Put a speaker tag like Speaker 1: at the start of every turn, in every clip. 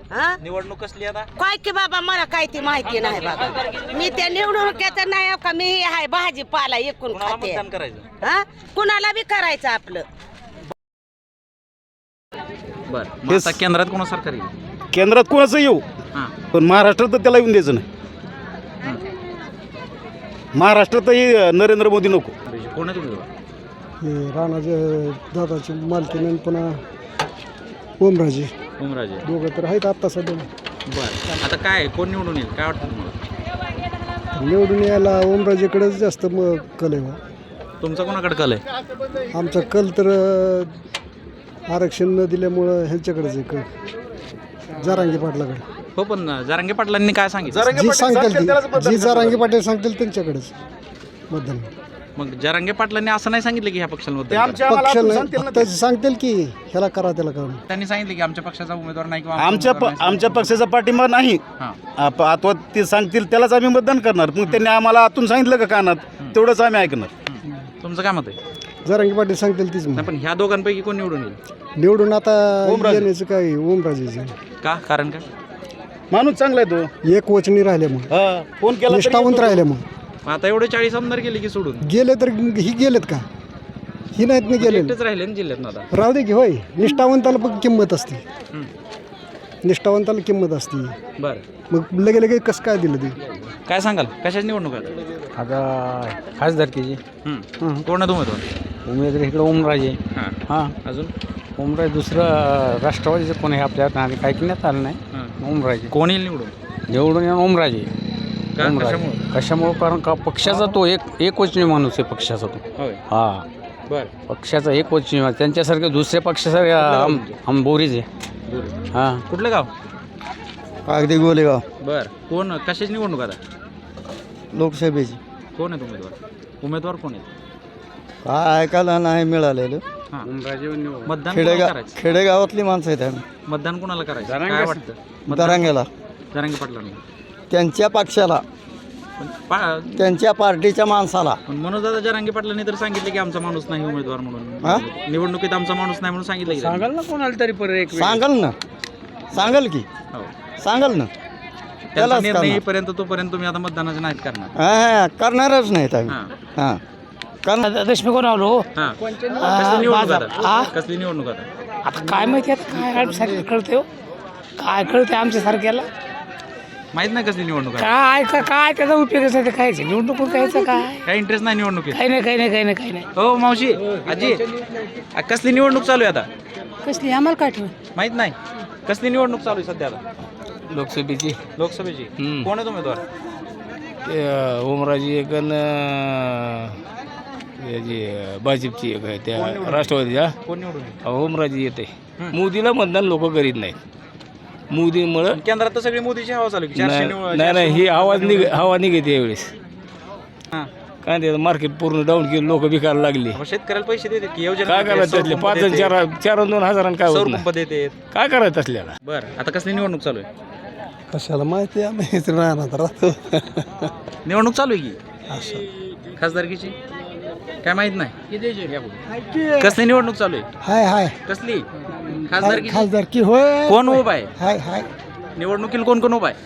Speaker 1: हा
Speaker 2: निवडणूक कसली आता
Speaker 1: काय की बाबा मला काय ती माहिती नाही बाबा मी त्या निवडणुकीचं नाही का मी आहे भाजीपाला एकूण
Speaker 2: कुणाला
Speaker 1: खाते
Speaker 2: मतदान करायचं
Speaker 1: हा कुणाला बी करायचं आपलं
Speaker 2: बर मग आता केंद्रात कोणा सरकार येईल
Speaker 3: केंद्रात कोणाचं येऊ
Speaker 2: हां
Speaker 3: पण महाराष्ट्रात तर त्याला येऊन द्यायचं नाही. महाराष्ट्रातही नरेंद्र मोदी नको.
Speaker 2: कोण आहे तुम्ही
Speaker 4: हे राणाचे दादाची मालकीन पुन्हा ओमराजे
Speaker 2: ओमराजे
Speaker 4: दोघं तर आहेत आत्ता सध्या.
Speaker 2: बर आता काय कोण निवडून येईल काय वाटतं तुम्हाला
Speaker 4: निवडून यायला ओमराजेकडेच जास्त कल आहे बा.
Speaker 2: तुमचा कोणाकडे कल आहे
Speaker 4: आमचा कल तर आरक्षण न दिल्यामुळं ह्यांच्याकडेच आहे कल जरांगे पाटलाकडे.
Speaker 2: हो पण जरांगे पाटलांनी काय सांगितलं
Speaker 4: जी सांगतील जी जरांगे पाटील सांगतील त्यांच्याकडेच मतदान.
Speaker 2: मग जरांगे पाटलांनी असं नाही सांगितलं की ह्या पक्षाला मतदान करा.
Speaker 4: पक्ष नाही फक्त सांगतील की ह्याला करा त्याला करा.
Speaker 2: त्यांनी सांगितलं की आमच्या पक्षाचा उमेदवार नाही किंवा
Speaker 3: आमच्या पक्षाचा पाठिंबा नाही.
Speaker 2: हां
Speaker 3: आता ते सांगतील त्यालाच आम्ही मतदान करणार. मग त्यांनी आम्हाला आतून सांगितलं का कानात तेवढंच आम्ही ऐकणार.
Speaker 2: तुमचं काय मत आहे
Speaker 4: जरांगे पाटील सांगतील तीच
Speaker 2: नाही पण ह्या दोघांपैकी कोण निवडून येईल
Speaker 4: निवडून आता
Speaker 3: ओमराजे.
Speaker 4: येण्याचं काय ओमराजेचं
Speaker 2: का कारण काय
Speaker 3: माणूस चांगला आहे तो.
Speaker 4: एक वचनी राहिल्यामुळे
Speaker 3: फोन केला तरी
Speaker 4: निष्ठावंत
Speaker 3: येतो.
Speaker 4: राहिल्यामुळे
Speaker 2: मग आता एवढे 40 आमदार गेले की सोडून
Speaker 4: गेले तर ही गेलेत का ही नाहीत ना गेले
Speaker 2: एकटेच राहिले ना जिल्ह्यात ना आता
Speaker 4: राहू दे की होय निष्ठावंताला पण किंमत असते
Speaker 2: हं.
Speaker 4: निष्ठावंताला किंमत असते
Speaker 2: बरं
Speaker 4: मग लगे लगे कसं काय दिलं ते
Speaker 2: काय सांगाल कशाची निवडणूक आहे
Speaker 5: आता खासदारकीची
Speaker 2: कोण आहे उमेदवार
Speaker 5: उमेदवार इकडं ओमराजे
Speaker 2: हां
Speaker 5: हां
Speaker 2: अजून
Speaker 5: ओमराजे दुसरं राष्ट्रवादीचं कोण आहे आपल्यात आणि काही घेण्यात आलं नाही
Speaker 2: हां
Speaker 5: ओमराजे
Speaker 2: कोण येईल निवडून
Speaker 5: निवडून येऊन ओमराजे
Speaker 2: का
Speaker 5: ओमराजे
Speaker 2: कशामुळं
Speaker 5: कशामुळं कारण का पक्षाचा तो एकवचनी माणूस आहे पक्षाचा तो
Speaker 2: होय
Speaker 5: हां
Speaker 2: बरं
Speaker 5: पक्षाचा एकवचनी माणूस त्यांच्यासारखे दुसऱ्या पक्षासारखे हम बोरीज आहे हां
Speaker 2: कुठलं गाव
Speaker 4: अगदी गोलेगाव
Speaker 2: बरं कोण कशाची निवडणूक आता
Speaker 4: लोकसभेची
Speaker 2: कोण आहे उमेदवार कोण आहे
Speaker 4: काय ऐकायला नाही मिळालेलं
Speaker 2: हां
Speaker 5: ओमराजे
Speaker 2: मतदान कोणाला करायचं
Speaker 4: खेडेगावातली माणसं आहेत आम्ही
Speaker 2: मतदान कोणाला करायचं काय वाटतं मतदान
Speaker 4: दरांगेला
Speaker 2: जरांगे पाटलांना
Speaker 4: त्यांच्या पक्षाला
Speaker 2: पण
Speaker 4: त्यांच्या पार्टीच्या माणसाला
Speaker 2: मनोजदादा जरांगे पाटलांनी तर सांगितलं की आमचा माणूस नाही उमेदवार म्हणून निवडणुकीत आमचा माणूस नाही म्हणून सांगितलं की त्यांनी.
Speaker 5: सांगाल ना कोणाला तरी परत एक
Speaker 4: सांगाल ना सांगाल की
Speaker 2: हो
Speaker 4: सांगाल ना
Speaker 2: त्यांचा
Speaker 4: त्यालाच
Speaker 2: निर्णय
Speaker 4: करणार.
Speaker 2: येईपर्यंत तोपर्यंत तुम्ही आता मतदानाचे नाहीत करणार
Speaker 4: हा करणारच नाहीत आम्ही
Speaker 2: हां
Speaker 4: हां करणार
Speaker 5: देशमुख आलो
Speaker 2: हां कसली निवडणूक आता कसली निवडणूक आता
Speaker 5: आता काय माहिती आता काय आमच्यासारखं कळते हो काय कळते आमच्यासारख्याला
Speaker 2: माहित नाही कसली निवडणूक आहे
Speaker 5: काय त्याचा उपयोग आहे काय निवडणूक कायचं काय
Speaker 2: काही इंटरेस्ट नाही निवडणुकीत
Speaker 5: काही नाही काही नाही काही नाही काही नाही
Speaker 2: हो मावशी आजी कसली निवडणूक चालू आहे आता
Speaker 1: कसली आम्हाला काय ठेव
Speaker 2: माहित नाही कसली निवडणूक चालू आहे सध्या आता
Speaker 5: लोकसभेची
Speaker 2: लोकसभेची कोण आहे उमेदवार
Speaker 5: ओमराजी एक याची भाजपची एक आहे त्या राष्ट्रवादीच्या
Speaker 2: कोण निवडून येईल?
Speaker 5: ओमराजी येते मोदीला मतदान लोक करीत नाहीत मोदीमुळं
Speaker 2: केंद्रात तर सगळी मोदीची हवा चालू आहे. 400
Speaker 5: नाही नाही ही हवा निघते यावेळेस
Speaker 2: हां.
Speaker 5: काय ते मार्केट पूर्ण डाऊन केलं लोक विकायला लागली
Speaker 2: मग शेतकऱ्याला पैसे देतात की योजना
Speaker 5: काय करायचं त्यातले 5 आणि 4 आणि 2 हजारांना काय होत नाही
Speaker 2: पंप देतात
Speaker 5: काय करायचं असल्याला
Speaker 2: बरं आता कसली निवडणूक चालू आहे
Speaker 4: कशाला माहिती आम्ही राहणार राहतो
Speaker 2: निवडणूक चालू आहे की खासदारकीची काय माहित नाही या पुढे. कसली निवडणूक चालू आहे
Speaker 4: हाय हाय
Speaker 2: कसली खासदारकी
Speaker 4: खासदार की होय
Speaker 2: कोण उभा आहे
Speaker 4: हाय हाय
Speaker 2: निवडणुकीला कोण कोण उभा आहे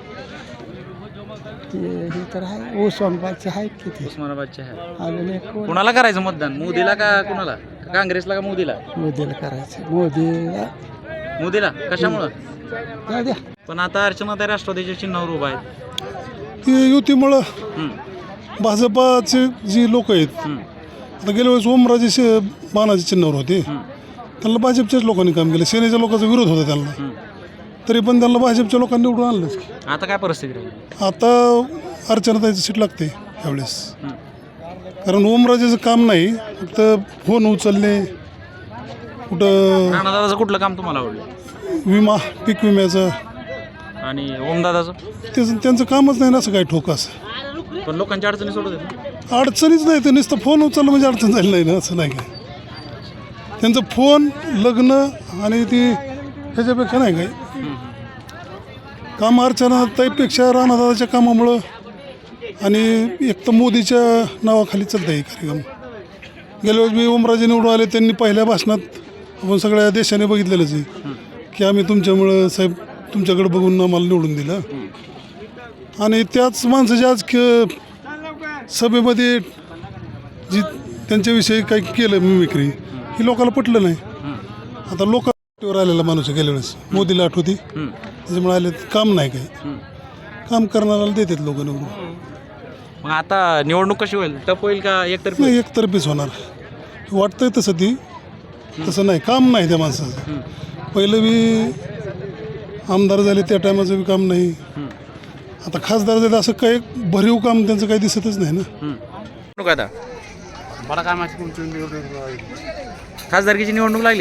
Speaker 4: हे तर आहे उस्मानाबादचे आहेत किती
Speaker 2: उस्मानाबादचे आहे
Speaker 4: अजून एक कोण?
Speaker 2: कुणाला करायचं मतदान मोदीला का कुणाला का काँग्रेसला का मोदीला
Speaker 4: मोदीला करायचं मोदीला
Speaker 2: मोदीला कशामुळं
Speaker 4: जाऊ द्या
Speaker 2: पण आता अर्चनाताई राष्ट्रवादीच्या चिन्हावर उभा आहेत
Speaker 6: ती युतीमुळं
Speaker 2: हं,
Speaker 6: भाजपाचे जी लोक आहेत
Speaker 2: हं,
Speaker 6: आता गेल्या वेळेस ओमराजे बाणाच्या चिन्हावर होते
Speaker 2: हं,
Speaker 6: त्यांना भाजपच्याच लोकांनी काम केलं सेनेच्या लोकांचा विरोध होता त्यांना
Speaker 2: हं.
Speaker 6: तरी पण त्यांना भाजपच्या लोकांनी निवडून आणलंच की.
Speaker 2: आता काय परिस्थिती राहिली
Speaker 6: आता अर्चनाताईचं सीट लागते यावेळेस
Speaker 2: हं.
Speaker 6: कारण ओमराजेचं काम नाही फक्त फोन उचलणे कुठं
Speaker 2: राणादादाचं कुठलं काम तुम्हाला आवडलं
Speaker 6: विमा पीक विम्याचं
Speaker 2: आणि ओमदादाचं
Speaker 6: त्यांचं कामच नाही ना असं काही ठोकास
Speaker 2: पण लोकांच्या अडचणी सोडत आहेत ना.
Speaker 6: अडचणीच नाही तर नुसतं फोन उचललं म्हणजे अडचण झाली नाही ना असं नाही काय त्यांचं फोन लग्न आणि ती ह्याच्यापेक्षा नाही काय काम अर्चनाताईपेक्षा राणादादाच्या कामामुळं आणि एक तर मोदीच्या नावाखाली चालतं आहे कार्यक्रम. गेल्या वेळेस मी ओमराजे निवडून आले त्यांनी पहिल्या भाषणात आपण सगळ्या देशाने बघितलेलंच आहे की आम्ही तुमच्यामुळं साहेब तुमच्याकडे बघून आम्हाला निवडून दिलं आणि त्याच माणसाची आज सभेमध्ये जी त्यांच्याविषयी काही केलं मिमिक्री ही लोकांना पटलं नाही. आता लोकांवर आलेला माणूस आहे गेल्या वेळेस मोदीला आठवती त्याच्यामुळे आले काम नाही काही काम करणाऱ्याला देतात लोक निवडून.
Speaker 2: मग आता निवडणूक कशी होईल? टप होईल का एकतर्फी?
Speaker 6: नाही एकतर्फीच होणार वाटतंय तसं ती तसं नाही काम नाही त्या माणसाचं. पहिलं बी आमदार झाले त्या टायमाचं बी काम नाही. आता खासदार झाले असं काही भरीव काम त्यांचं काही दिसतच नाही ना.
Speaker 2: निवडणूक आता
Speaker 5: मला काय माहिती
Speaker 2: खासदारकीची निवडणूक लागली.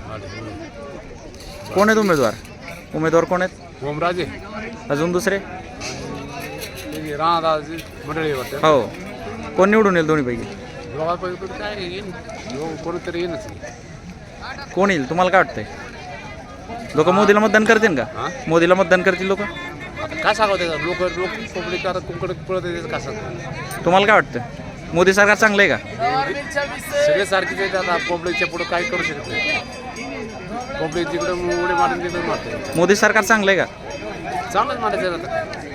Speaker 2: कोण आहेत उमेदवार? उमेदवार कोण आहेत?
Speaker 5: ओमराजे
Speaker 2: अजून दुसरे?
Speaker 5: राणादाची मंडळी वाटते.
Speaker 2: हो. कोण निवडून येईल दोन्हीपैकी?
Speaker 5: काय येईल कोणीतरी येईलच.
Speaker 2: कोण येईल तुम्हाला काय वाटतंय? लोक मोदीला मतदान करतील का? मोदीला मतदान करतील लोक?
Speaker 5: काय सांगावं त्याचं लोक पब्लिक आता कुंकडे पळत येते का सांग.
Speaker 2: तुम्हाला काय वाटतं? मोदी सरकार चांगलं आहे का?
Speaker 5: सगळे सारखेच आहेत आता पब्लिकच्या पुढे काय करू शकत नाही. पब्लिक जिकडे उडे मारून तिकडे मारते.
Speaker 2: मोदी सरकार चांगलं आहे का?
Speaker 5: चांगलंच मारायचं आता.